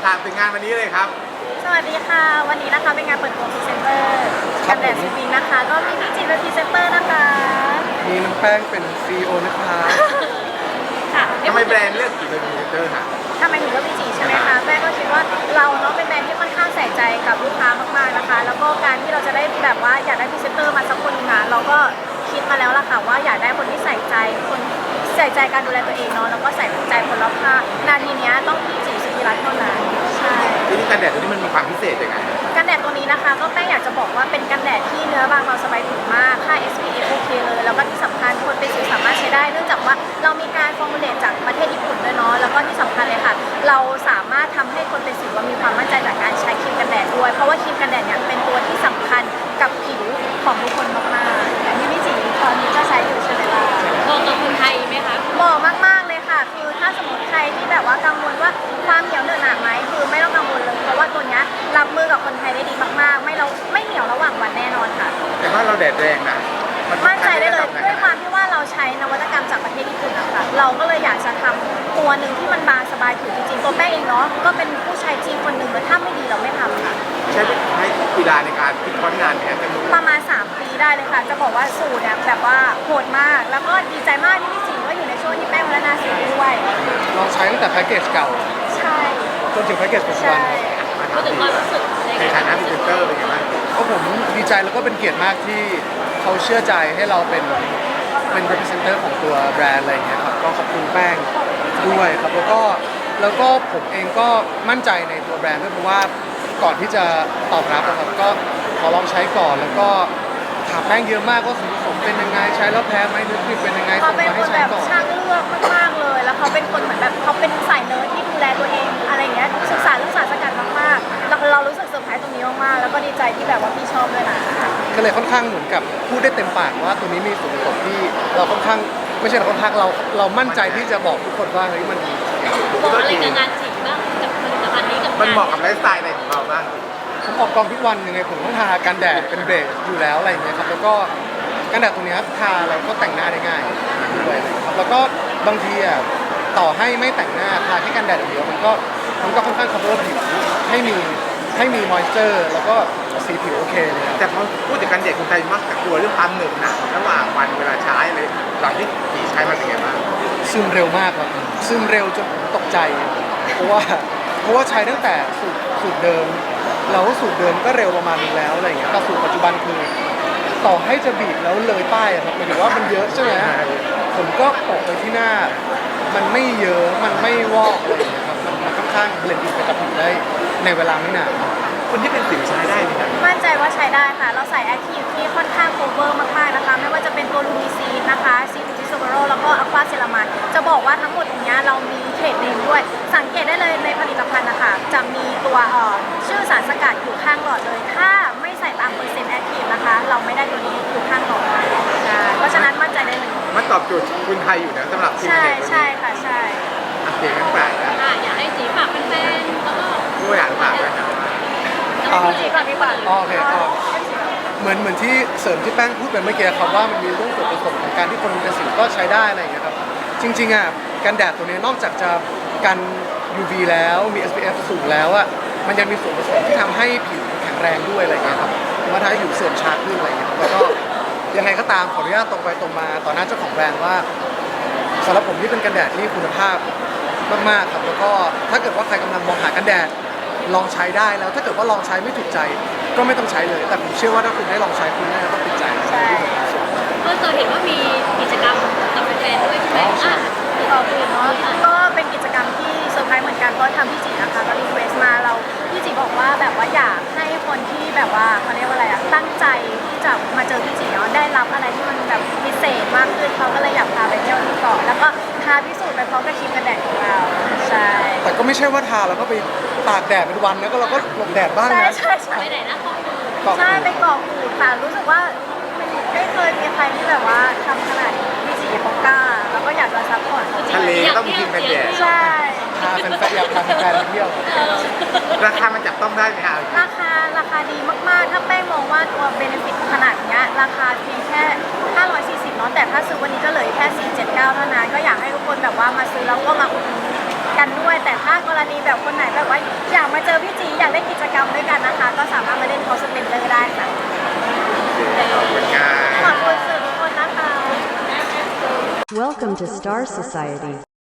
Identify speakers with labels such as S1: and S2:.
S1: ถามถึงงานวันนี้เลยครับ
S2: สวัสดีค่ะวันนี้นะคะเป็นงานเปิดตัวพรีเซนเตอร์กันแดดซีวิงนะคะก็มีพี่จีเป็นพรีเซนเตอร์นะคะ
S3: มีน้องแป้งเป็น CEO นะคะ
S2: ค่ะ
S1: ทำไมแบรนด์เลือกกี่เป็นพรีเซนเตอร์ค่ะ
S2: ทำไมถึงเลือกพี่จีใช่ไหมคะแม่ก็คิดว่าเราเนาะเป็นแบรนด์ที่ค่อนข้างใส่ใจกับลูกค้ามากๆนะคะแล้วก็การที่เราจะได้แบบว่าอยากได้พรีเซนเตอร์มาสักคนนึงเราก็คิดมาแล้วล่ะค่ะว่าอยากได้คนที่ใส่ใจคนใส่ใจการดูแลตัวเองเนาะแล้วก็ใส่ใจคนรอบข้างนาทีนี้ต้องพี่จีสุธิรัตน์เท่านั้นใช่
S1: ทีนี้กันแดดตัวนี้มันมีความพิเศษยังไง
S2: กันแดดตัวนี้นะคะก็แป้งอยากจะบอกว่าเป็นกันแดดที่เนื้อบางเบาสบายผิวมากค่า SPF โอเคเลยแล้วก็ที่สำคัญคนเป็นสิวสามารถใช้ได้เนื่องจากว่าเรามีการฟอร์มูลเลตจากประเทศญี่ปุ่นด้วยเนาะแล้วก็ที่สำคัญเลยค่ะเราสามารถทำให้คนเป็นสิวมีความมั่นใจจากการใช้ครีมกันแดดด้วยเพราะว่าครีมกันแดดเนี่ยเป็นตัวที่สำคัญกับผิวของทุกคนมากๆอย่างที่พี่จีตอนนี้ก็ใช้อยู่ใช่ไหมล่ะ
S4: เหมาะกับคนไทยไหมคะ
S2: เหมาะมากๆเลยค่ะคือถ้าสมมติใครที่แบบว่ากังวลว่าความเหนียวเหนอะหนะไหมคือไม่ต้องกังวลเลยเพราะว่าตัวนี้รับมือกับคนไทยได้ดีมากๆไม่เหนียวระหว่างวันแน่นอนค่ะ
S1: แต่ว่าเราแดดแรงนะ
S2: มั่นใจได้เลยด้วยความที่ว่าเราใช้นวัตกรรมจากประเทศญี่ปุ่นนะคะเราก็เลยอยากจะทำตัวหนึ่งที่มันบางสบายผิวจริงๆตัวแป้งเองเนาะก็เป็นผู้ใช้จริงคนหนึ่งเลยถ้าไม่ดีเราไม่ทำค่ะ
S1: ใช้กีฬาในการคิดค้นงานเนี่ยจะมี
S2: ประมาณ3 ปีได้เลยค่ะจะบอกว่าสูตรเนี่ยแบบว่าโหดมากแล้วก็ดีใจมากที่พี่สิงห์ก็อยู่ในช่วงที่แป้งพัฒนาสูตรด้วย
S3: ลองใช้ตั้งแต่แพ็กเกจเก่า
S2: ใช่
S3: จนถึงแพ็กเกจปัจจุบัน
S4: ก็ถึงความรู้สึก
S1: ในฐานะพรีเซนเตอร์เป็นยังไงบ้าง
S3: ก็ผมดีใจแล้วก็เป็นเกียรติมากที่เขาเชื่อใจให้เราเป็น representative ของตัวแบรนด์อะไรอย่างเงี้ยครับก็ขอบคุณแป้งด้วยครับแล้วก็ผมเองก็มั่นใจในตัวแบรนด์ด้วยเพราะว่าก่อนที่จะตอบรับนะครับก็ขอลองใช้ก่อนแล้วก็ถามแป้งเยอะมากว่าส่วนผสมเป็นยังไงใช้แล้วแพ้ไหมหรือเป็นยังไง
S2: เขาเป็นคนแบบช่างเลือกมากๆเลยแล้วเขาเป็นคนเหมือนแบบเขาเป็นสายเนิร์ดที่ดูแลตัวเองอะไรเงี้ยศึกษาเรื่องสารสกัดมากๆแล้วเรารู้สึกเซอร์ไพรส์ตรงนี้มากๆแล้วก็ดีใจที่แบบว่าพี่ชอบด้วยนะ
S3: ก็เลยค่อนข้างเหมือนกับพูดได้เต็มปากว่าตัวนี้มีส่วนผสมที่เราค่อนข้างไม่ใช่เราค่อนข้างเรามั่นใจที่จะบอกทุกคนว่าเฮ้ยมัน
S4: บอกอะไรกับงานจริงบ้างกับผลิตภัณฑ์นี้กับ
S1: มันเหมาะกับไลฟ์สไตล์อะไรของเราบ้าง
S3: ผมออกกองทุกวันยังไงผมต้องทากันแดดเป็นเบสอยู่แล้วอะไรอย่างเงี้ยครับแล้วก็กันแดดตัวนี้ทาแล้วก็แต่งหน้าได้ง่ายด้วยนะครับแล้วก็บางทีอ่ะต่อให้ไม่แต่งหน้าทาแค่กันแดดอย่างเดียวมันก็ค่อนข้าง cover ผิวให้มี moisture แล้วก็สีผิวโอเคเลย
S1: แต่พอพูดถึงกันแดดคนไทยมักจะกลัวเรื่องความเหนอะหนะระหว่างวันเวลาใช้เลยหลังที่ผีใช้มันเป็นไงบ้าง
S3: ซึมเร็วมากครับซึมเร็วจนตกใจเพราะว่าใช้ตั้งแต่สูตรเดิมเราก็สูตรเดิมก็เร็วประมาณนึงแล้วอะไรอย่างเงี้ยแต่สูตรปัจจุบันคือต่อให้จะบีบแล้วเลยป้ายอะครับหมายถึงว่ามันเยอะใช่ไหมผมก็โปะไปที่หน้ามันไม่เยอะมันไม่วอกอะไรอย่างเงี้ยครับมันค่อนข้างเบลนด์อินไปกับผิวได้ในเวลาไม่นาน
S1: คนที่เป็นสิวใช้ได้ไหมครับ
S2: มั่นใจว่าใช้ได้ค่ะเราใส่แอคทีฟที่ค่อนข้างโคเวอร์มากๆนะคะไม่ว่าจะเป็นตัวลูมิซีนนะคะซีทูทิโซเบโรแล้วก็อะควาเซรามานจะบอกว่าทั้งหมดตรงนี้เรามีเทรดเนมด้วยสังเกตได้เลยในผลิตภัณฑ์นะคะจะมีตัวชื่อสารสกัดอยู่ข้างหลอดเลยถ้าไม่ใส่ตามเปอร์เซ็นต์แอคทีฟนะคะเราไม่ได้ตัวนี้อยู่ข้างหลอดเพราะฉะนั้นมั่นใจได้เลย
S1: มันตอบโจทย์คุณไทยอยู่นะสำหรับทีมเด็ก
S2: ใช่ค่ะใช่
S1: โอเคงั้นแปลกนะ
S4: อยากให้สีฝากแฟนๆแล้วก็
S1: ด้วยอ่านฝากด้วยนะ
S2: จีก่อนดีกว่า
S3: โอเคเหมือนที่เสริมที่แป้งพูดไปเมื่อกี้ครับว่ามันมีเรื่องส่วนผสมของการที่คนเป็นสิวก็ใช้ได้อะไรอย่างเงี้ยครับจริงๆอ่ะกันแดดตัวนี้นอกจากจะกัน UV แล้วมี SPF สูงแล้วอ่ะมันยังมีส่วนผสมที่ทำให้ผิวแข็งแรงด้วยอะไรเงี้ยครับมาทำให้ผิวเสื่อมช้าขึ้นอะไรเงี้ยแล้วก็ยังไงก็ตามขออนุญาตตรงไปตรงมาต่อหน้าเจ้าของแบรนด์ว่าสำหรับผมนี่เป็นกันแดดที่คุณภาพมากๆครับแล้วก็ถ้าเกิดว่าใครกำลังมองหากันแดดลองใช้ได้แล้วถ้าเกิดว่าลองใช้ไม่ถูกใจก็ไม่ต้องใช้เลยแต่ผมเชื่อว่าถ้าคุณได้ลองใช้คุณน่าจะต้องติดใจ
S2: ใช่
S4: เมื่อเคยเห็นว่ามีกิจกรรมกับแฟนๆด้วยใช่ไหม
S2: ต่อไปเนาะก็เป็นกิจกรรมที่เซอร์ไพรส์เหมือนกันเพราะทำพี่จีนะคะก็รีเควสมาเราพี่จีบอกว่าแบบว่าอยากให้คนที่แบบว่าเขาเรียกว่าอะไรอะตั้งใจที่จะมาเจอพี่จีเนาะได้รับอะไรที่มันแบบพิเศษมากขึ้นเขาก็เลยอยากพาไปเที่ยวที่เกาะแล้วก็ทาพิสูจน์ไปพร้อมกับครีมกันแดดของเราใช่
S3: แต่ก็ไม่ใช่ว่าทาแล้วก็ไปตากแดดเป็นวันนะก็เราก็หลบแดดบ้างนะ
S2: ใช่
S4: ไปไหนนะ
S2: ใช่ไปเกาะกูดค่ะรู้สึกว่าไม่เคยมีใครที่แบบว่าทำขนาดนี้พี่จีเขากล้าแล้วก็อยากจะซัพพอร์ต
S1: ทะเลต้องกินกันแดด
S2: ใช่
S3: พาแฟนๆอยากพาแฟนๆไปเที่ยว
S1: ราคามันจับต้องได้ไหมครับ
S2: ราคาดีมากๆถ้าแป้งมองว่าตัวเบนฟิตขนาดนี้ราคาเพียงแค่540เนาะแต่ถ้าซื้อวันนี้ก็เหลือแค่479เท่านั้นก็อยากให้ทุกคนแบบว่ามาซื้อแล้วก็มาอุดหนุนกันด้วย แต่ถ้ากรณีแบบคนไหนแบบว่าอยากมาเจอพี่จีอยากเล่นกิจกรรมด้วยกันนะคะ ก็สามารถมาเล่นคอสเพนเดอร์ได้ค่ะ
S1: ขอบคุณครับ
S2: ขอบคุณสื่อทุกคนนะคะ
S5: Welcome to Star Society.